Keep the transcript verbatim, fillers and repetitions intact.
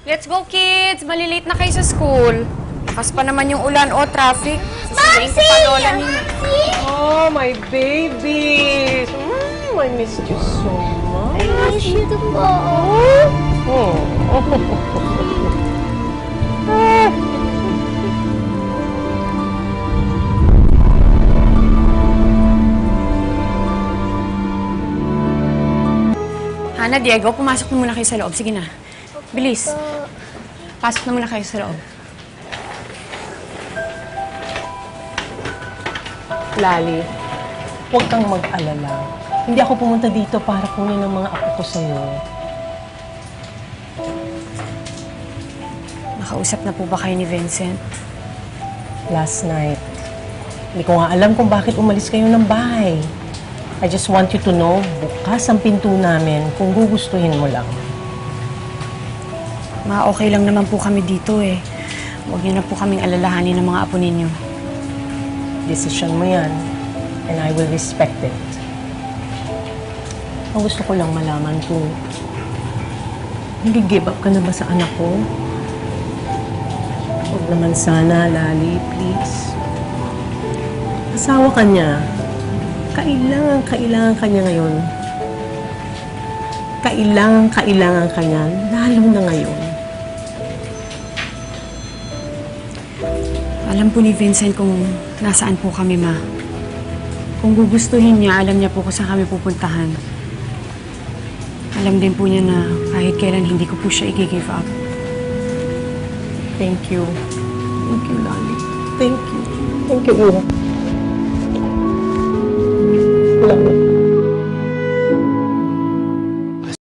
Let's go, kids! Malilate na kayo sa school. Lakas pa naman yung ulan o traffic. Sasabihin ko pa lola ninyo. Oh, my babies! Mm, I missed you so much. I miss you too po. Oh. Hana, Diego, pumasok na muna kayo sa loob. Sige na. Bilis. Pasok na muna kayo sa loob. Lali, huwag kang mag-alala. Hindi ako pumunta dito para kunin ang mga apo ko sa'yo. Nakausap na po ba kayo ni Vincent? Last night, hindi ko nga alam kung bakit umalis kayo ng bahay. I just want you to know, bukas ang pinto namin kung gugustuhin mo lang. Ma, okay lang naman po kami dito eh. Huwag niyo na po kaming alalahanin ng mga apo ninyo. Decision mo yan, and I will respect it. Ang gusto ko lang malaman kung nag-give up ka na ba sa anak ko? Huwag naman sana, Lali, please. Asawa ka niya. Kailangan, kailangan ka niya ngayon. Kailangan, kailangan ka niya, lalo na ngayon. Alam po ni Vincent kung nasaan po kami, Ma. Kung gugustuhin niya, alam niya po kung saan kami pupuntahan. Alam din po niya na kahit kailan hindi ko po siya i-give up. Thank you. Thank you, Lali. Thank you. Thank you, Iha.